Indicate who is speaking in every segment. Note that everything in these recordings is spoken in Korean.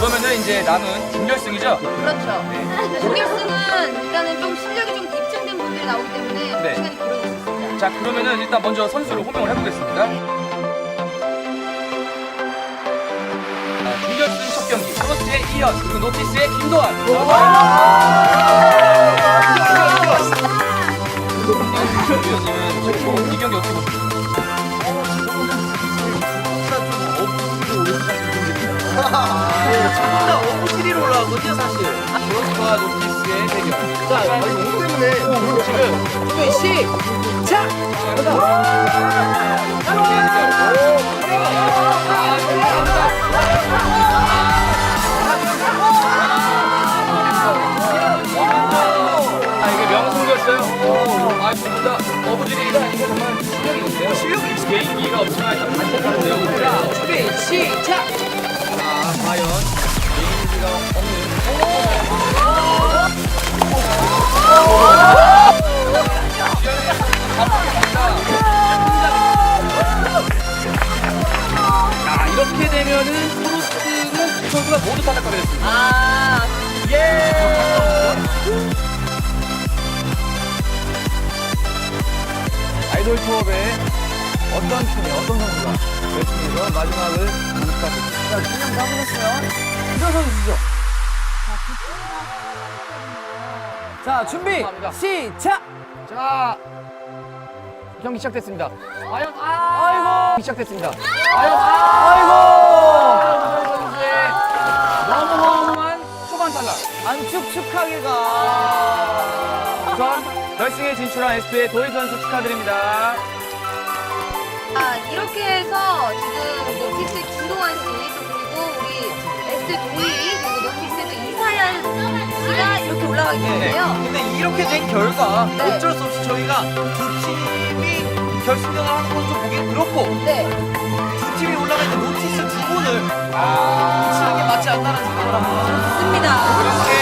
Speaker 1: 그러면은 이제 남은 준결승이죠?
Speaker 2: 그렇죠.
Speaker 1: 네.
Speaker 2: 준결승은 일단은 좀 실력이 좀 입증된 분들이 나오기 때문에
Speaker 1: 네.
Speaker 2: 시간이 걸리고 있습니다.
Speaker 1: 자, 그러면은 일단 먼저 선수를 호명을 해보겠습니다. 준결승 첫 경기 프로스트의 이현 그리고 노티스의 김도환. 위원님은 이 경기 어떻게 보세요?
Speaker 3: 나 어부시리로 올라왔거든요, 사실.
Speaker 1: 프로스트와 노티스의 대결.
Speaker 3: 자, 이거 때문에 지금 준비 시작!
Speaker 1: 아, 이게 명승이었어요. 아, 진짜 어부지리가 이거 정말 실력이 있는데요. 실력이 있어. 개인기가 없지만 일단 반짝하는데요.
Speaker 3: 자, 준비 시작!
Speaker 1: 아, 과연 개인기가 없는. 자, 이렇게 되면은 프로스트는 두 선수가 모두 탈락하게 됐습니다.
Speaker 2: 아,
Speaker 1: 아이돌 투업에 어떤 팀이 어떤 선수가 결승에서 마지막을 간직하겠습니다.
Speaker 3: 자, 그냥 가보셨어요? 일어서 주시죠. 자, 준비 시작!
Speaker 1: 자, 경기 시작됐습니다. 과연
Speaker 3: 아이고!
Speaker 1: 시작됐습니다.
Speaker 3: 아이고!
Speaker 1: 선수의 너무너무한 초반 탈락.
Speaker 3: 안 축축하게가.
Speaker 1: 우선 결승에 진출한 SP의 도희 선수 축하드립니다.
Speaker 2: 이렇게 해서 지금 노티스의 김동환 씨, 또 그리고 우리 S의 도희, 그리고 노티스의 또 이사연 씨가 이렇게 올라가게 됐는데요.
Speaker 3: 근데 이렇게 된 결과
Speaker 2: 네.
Speaker 3: 어쩔 수 없이 저희가 두 팀이 결승전을 하는 건 좀 보기 그렇고
Speaker 2: 네.
Speaker 3: 두 팀이 올라갈 때 노티스 두 분을 치는 게 맞지 않나라는 생각을 합니다.
Speaker 2: 좋습니다.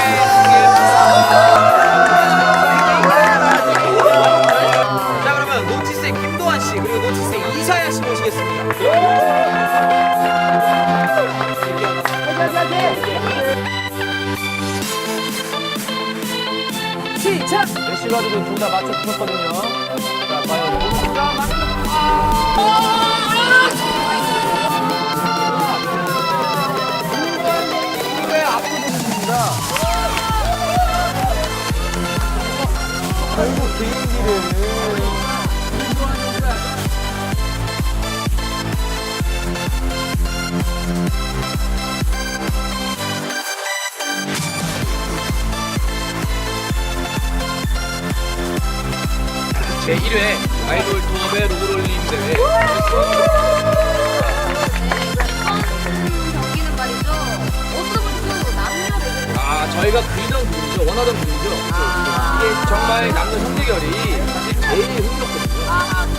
Speaker 3: 자, 그러면 노티스의 김도환 씨 그리고 노티스의 이사야 씨 모시겠습니다. 시작!
Speaker 1: 메시가드도 둘 다 맞춰 주셨거든요. 자, 과연 의 압도적입니다. 결국 개인기를 제1회 아이돌 투업의 로그롤링 대회.
Speaker 2: 이번 경기는 말이죠. 어서부터 남녀 대결.
Speaker 1: 아, 저희가 그리던 분이죠. 원하던 분이죠. 이게 정말 남녀 형제결이 사실 제일 흥미롭거든요.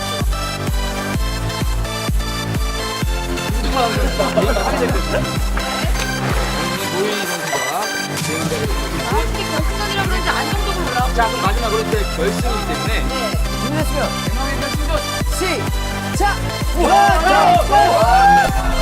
Speaker 1: 민주가 하게 됐거든요. 노희 선수가 대응자를
Speaker 2: 특히 결승전이라 그런지 안정적으로 올라오고.
Speaker 1: 자, 그럼 마지막으로 이제 결승이기 때문에
Speaker 2: 네.
Speaker 3: 준비됐으면
Speaker 1: 대망의 결승전
Speaker 3: 시작!
Speaker 1: 와!